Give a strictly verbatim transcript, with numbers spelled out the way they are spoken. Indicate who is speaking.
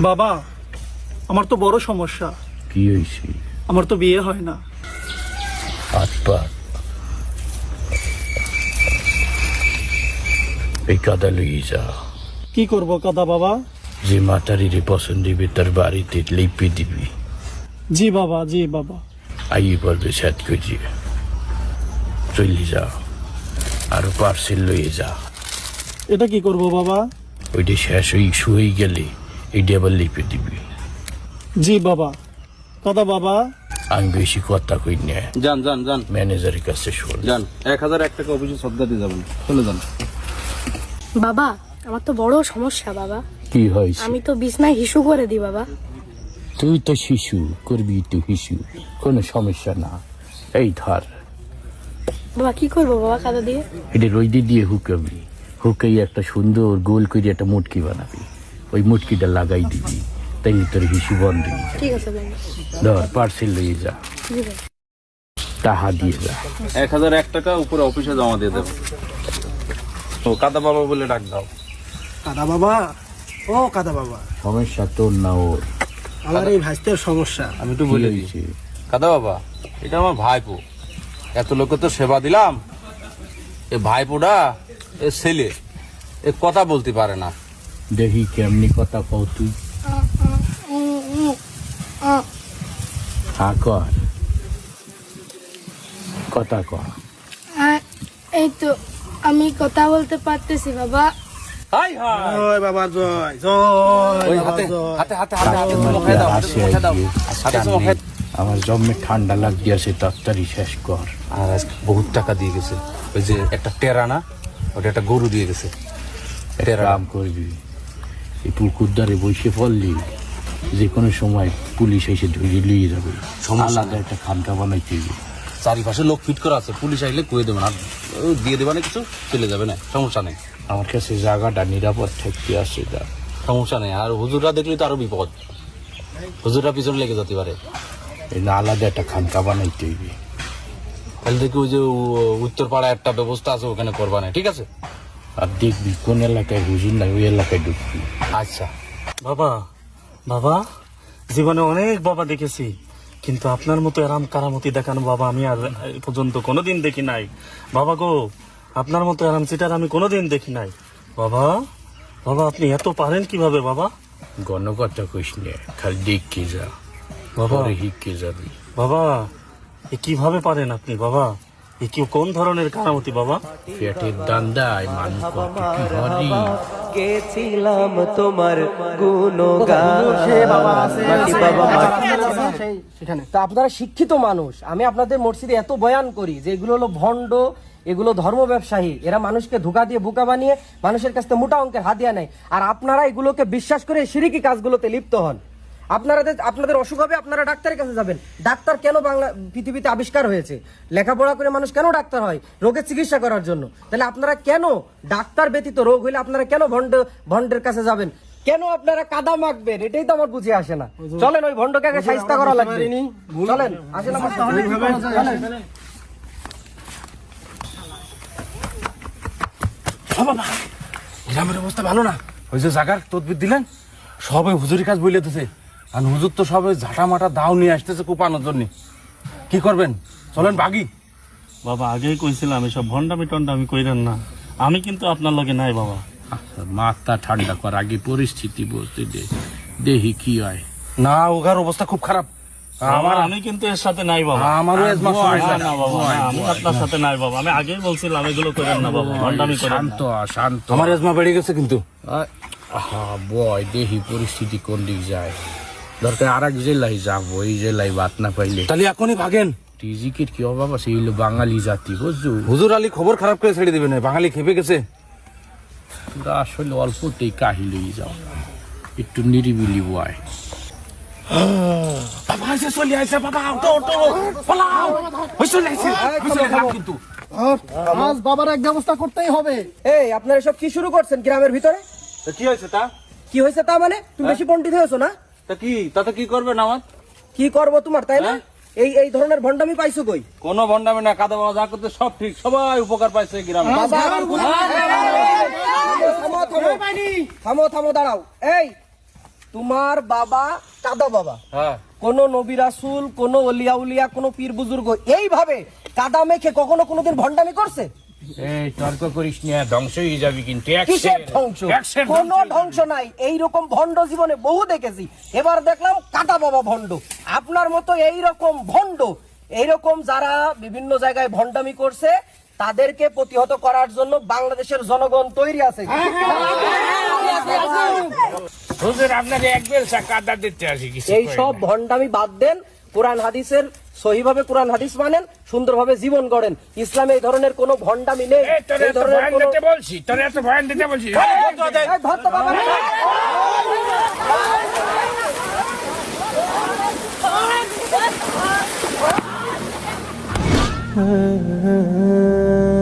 Speaker 1: বাবা, আমার তো বড় সমস্যা।
Speaker 2: কি হয়েছে?
Speaker 1: আমার তো বিয়ে হয় না।
Speaker 2: হাত পা এই কাদা লইয়ে যা।
Speaker 1: কি করব কাদা বাবা?
Speaker 2: যে মাতারিরে পছন্দ দিবে তার বাড়িতে লিপি দিবি।
Speaker 1: জি বাবা, জি বাবা।
Speaker 2: আইয়ে পড়বে সাত কেজি চলি যা, আরো পার্সেল লইয়ে যা।
Speaker 1: এটা কি করব বাবা?
Speaker 2: ওইটা শেষ হয়ে শুয়ে গেলে এইটা আবার লিপে দিবি।
Speaker 1: জি বাবা। কাদা বাবা,
Speaker 2: আমি বেশি কথা কই না।
Speaker 3: যান যান যান
Speaker 2: ম্যানেজারের কাছে শোন।
Speaker 3: যান, এক হাজার এক টাকা অফিসে সদ্গা দিয়ে যাবেন, চলে যান।
Speaker 4: বাবা, আমার তো বড় সমস্যা বাবা।
Speaker 2: কি হয়েছে?
Speaker 4: আমি তো বিছনায় হিসু করে দিই বাবা।
Speaker 2: তুই তো শিশু, করবি তো শিশু, কোনো সমস্যা না। এই ধর,
Speaker 4: বাবা কি করবো বাবা কাদা দিয়ে?
Speaker 2: এটা রইদে দিয়ে হুকাবি, হুকাই একটা সুন্দর গোল করে একটা মুটকি বানাবি, ওই মুটকিটা লাগাই দিবি, তাই তোর হিসু বন্ধ হয়ে যায়।
Speaker 4: ঠিক আছে বাবা।
Speaker 2: ধর পার্সেল লইয়ে যা,
Speaker 4: জি বাবা।
Speaker 2: টাকা দিয়ে যা।
Speaker 3: এক হাজার এক টাকা উপরে অফিসে জমা দিয়ে দেবেন। ও কাদা বাবা বলে ডাক দাও।
Speaker 5: কাদা বাবা, ও কাদা বাবা,
Speaker 2: সমস্যা তোর না ওর?
Speaker 5: আমার এই ভাইস্তের সমস্যা।
Speaker 3: আমি একটু বলে দিচ্ছি, কাদা বাবা এটা আমার ভাইপো, এত লোকে তো সেবা দিলাম, এ ভাইপোটা এ ছেলে এ কথা বলতে পারে না।
Speaker 2: দেখি কেমনি কথা কও তুই। হ্যাঁ কর, কথা কর।
Speaker 4: এই তো আমি কথা বলতে পারতেছি বাবা।
Speaker 3: হাই হাই
Speaker 5: জয় বাবা, জয় জয়
Speaker 3: ওই
Speaker 5: বাবা,
Speaker 3: হাতে
Speaker 5: জয়।
Speaker 3: হাতে হাতে হাতে হাতে চুমো খেয়ে দাও, হাতে চুমো খেয়ে দাও, হাতে চুমো খেয়ে দাও।
Speaker 2: আমার জন্মে ঠান্ডা লাগছে, তাড়াতাড়ি শেষ কর।
Speaker 3: আর আজকে বহুত টাকা দিয়ে গেছে, ওই যে একটা টেরা না, ওটা একটা গরু দিয়ে গেছে।
Speaker 2: একটা কাম করবি, এই পুকুর ধারে বসে পড়লি, যে কোনো সময় পুলিশ এসে ধরে নিয়ে যাবে।
Speaker 3: সমস্যা
Speaker 2: আলাদা একটা খানকা বানাইতে হবে।
Speaker 3: চারিপাশে লোক ফিট করা আছে, পুলিশ আইলে কয়ে দেবে না, ও দিয়ে দেবে না, কিছু চলে যাবে না, সমস্যা নেই।
Speaker 2: আমার কাছে জায়গাটা নিরাপদ থাকতে আছে। যা,
Speaker 3: সমস্যা নেই। আর হুজুররা দেখলে তো আরো বিপদ, হুজুররা পিছনে লেগে যেতে পারে।
Speaker 2: এই না আলাদা একটা খানকা বানাইতে হইবে।
Speaker 3: তাহলে দেখি ওই যে উ- উত্তর পাড়ায় একটা ব্যবস্থা আছে, ওখানে করবা না, ঠিক আছে?
Speaker 2: আর দেখবি কোন এলাকায় হুজুর নাই, ওই এলাকায় ঢুকবি।
Speaker 3: আচ্ছা।
Speaker 1: বাবা, বাবা, জীবনে অনেক বাবা দেখেছি, কিন্তু আপনার মতো এরাম কারামতি দেখানো বাবা আমি আর এই পর্যন্ত কোনোদিন দেখি নাই। বাবা গো, আপনার মতো এরাম চিটার আমি কোনোদিন দেখি নাই। বাবা, বাবা আপনি এত পারেন কিভাবে বাবা?
Speaker 2: গণকথা কইস নে, খালি দেখকে যা,
Speaker 1: বাবা,
Speaker 2: পরে হিককে যাবি।
Speaker 1: বাবা এ কিভাবে পারেন আপনি বাবা? এ কি কোন ধরনের কারামতি বাবা?
Speaker 2: পেটের দান্দায় মানুষ কত কি হরি।
Speaker 6: গেছিলাম তোমার গুণগান। মাটি বাবা মাটি।
Speaker 5: সেখানে
Speaker 6: তা আপনারা শিক্ষিত মানুষ, আমি আপনাদের মসজিদে এত বয়ান করি যে এগুলো হলো ভণ্ড, এগুলো ধর্ম ব্যবসায়ী, এরা মানুষকে ধোঁকা দিয়ে বোকা বানিয়ে মানুষের কাছ থেকে মোটা অঙ্কের হাদিয়া নেয়, আর আপনারা এগুলোকে বিশ্বাস করে শিরকি কাজগুলোতে লিপ্ত হন। আপনারা আপনাদের অসুখ হবে, আপনারা ডাক্তারের কাছে যাবেন। ডাক্তার কেন বাংলা পৃথিবীতে আবিষ্কার হয়েছে? লেখাপড়া করে মানুষ কেন ডাক্তার হয়? রোগের চিকিৎসা করার জন্য। তাহলে আপনারা কেন ডাক্তার ব্যতীত রোগ হইলে আপনারা কেন ভণ্ড ভণ্ডের কাছে যাবেন? কেন আপনারা কাদা মাখবেন? এটাই তো আমার বুঝে আসে না। চলেন ওই ভণ্ডকে আগে শায়েস্তা করা লাগবে। চলেন, আসেন আমার সাথে। চলেন।
Speaker 3: বাবা, গ্রামের অবস্থা ভালো না। ওই যে জাগার তদবির দিলেন, সবাই হুজুরি কাজ বলে দিতেছে, আর হুজুর তো সবাই ঝাঁটা মাটা দাও নিয়ে আসতেছে কোপানোর জন্য। কি করবেন? চলেন ভাগি।
Speaker 1: বাবা আগেই কইছিলাম এসব ভণ্ডামি টন্ডামি কইরেন না, আমি কিন্তু আপনার লগে নাই বাবা।
Speaker 2: মাথা ঠান্ডা কর, আগে পরিস্থিতি বলতে দে, দেখি কি হয়।
Speaker 3: না, ওগার অবস্থা খুব খারাপ।
Speaker 1: আমার আমি কিন্তু এর সাথে নাই বাবা।
Speaker 3: আমারও এজমা
Speaker 1: না,
Speaker 3: সমস্যা।
Speaker 1: না বাবা, না, আমি আপনার সাথে নাই বাবা। আমি আগেই বলছিলাম এগুলো করেন না বাবা, ভণ্ডামি করেন
Speaker 2: শান্ত
Speaker 1: না।
Speaker 2: হ, শান্ত হ।
Speaker 3: আমার এজমা বেড়ে গেছে কিন্তু।
Speaker 2: হ্যাঁ বয়, দেখি পরিস্থিতি কোন দিক যায়। দরকার আর এক জেলায় যাবো, এই জেলায় বাত না পাইলে।
Speaker 3: তাহলে এখনই ভাগেন।
Speaker 2: টিজিকের কি অভাব আছে? এই হলো বাঙালি জাতি, বুঝছো?
Speaker 3: হুজুর আলী খবর খারাপ করে ছেড়ে দিবে না, বাঙালি খেপে গেছে।
Speaker 2: তোরা আসলে অল্পতেই কাহিলেই যাও, একটু নিরিবিলি বয়।
Speaker 3: বাবা এসে চলে আসছে, বাবা ওঠো ওঠো, পালাও। ওই চলে আসছে, ওই চলে আসছে কিন্তু।
Speaker 5: আজ বাবার এক ব্যবস্থা করতেই হবে।
Speaker 6: এই আপনারা সব কি শুরু করছেন গ্রামের ভিতরে?
Speaker 3: তা কি হয়েছে তা?
Speaker 6: কি হয়েছে তা মানে? তুমি বেশি পণ্ডিত হয়েছো না?
Speaker 3: তা কি, তাতে কি করবেন আমার?
Speaker 6: কি করব তোমার, তাই না? এই এই ধরনের ভণ্ডামি পাইছো কই?
Speaker 3: কোনো ভণ্ডামি না, কাদা বাবা যা করতে সব ঠিক, সবাই উপকার পাইছে এই গ্রামে।
Speaker 6: বাবা, থামো থামো থামো, থামো থামো, দাঁড়াও। এই তোমার বাবা কাদা বাবা,
Speaker 3: হ্যাঁ
Speaker 6: কোন নবী রাসূল, কোন ওলিয়া উলিয়া, কোন পীর বুজুর্গ এইভাবে কাদা মেখে কখনো কোনোদিন ভণ্ডামি করছে?
Speaker 2: এই তর্ক করিস না, ধ্বংস হয়ে যাবি কিন্তু
Speaker 6: কিসের ধ্বংস? কোন ধ্বংস নাই। এইরকম ভণ্ড জীবনে বহু দেখেছি, এবার দেখলাম কাদা বাবা ভণ্ড। আপনার মতো এইরকম ভণ্ড, এইরকম যারা বিভিন্ন জায়গায় ভণ্ডামি করছে তাদেরকে প্রতিহত করার জন্য বাংলাদেশের জনগণ তৈরি আছে।
Speaker 2: হুজুর আপনার এক বেলসা কাদা দিতে আসি কিছু
Speaker 6: এই সব ভণ্ডামি বাদ দেন, কোরআন হাদিসের সহিভাবে কোরআন হাদিস মানেন, সুন্দরভাবে জীবন গড়েন। ইসলামে এই ধরনের কোনো ভণ্ডামি নেই।
Speaker 2: তোর
Speaker 6: এই
Speaker 2: এত
Speaker 6: ধরনের
Speaker 2: ভয়ান
Speaker 6: কোনো-
Speaker 2: দিতে বলছি, তোর এত ভয়ান দিতে বলছি।
Speaker 6: এই ধর তো বাবা।
Speaker 7: Ah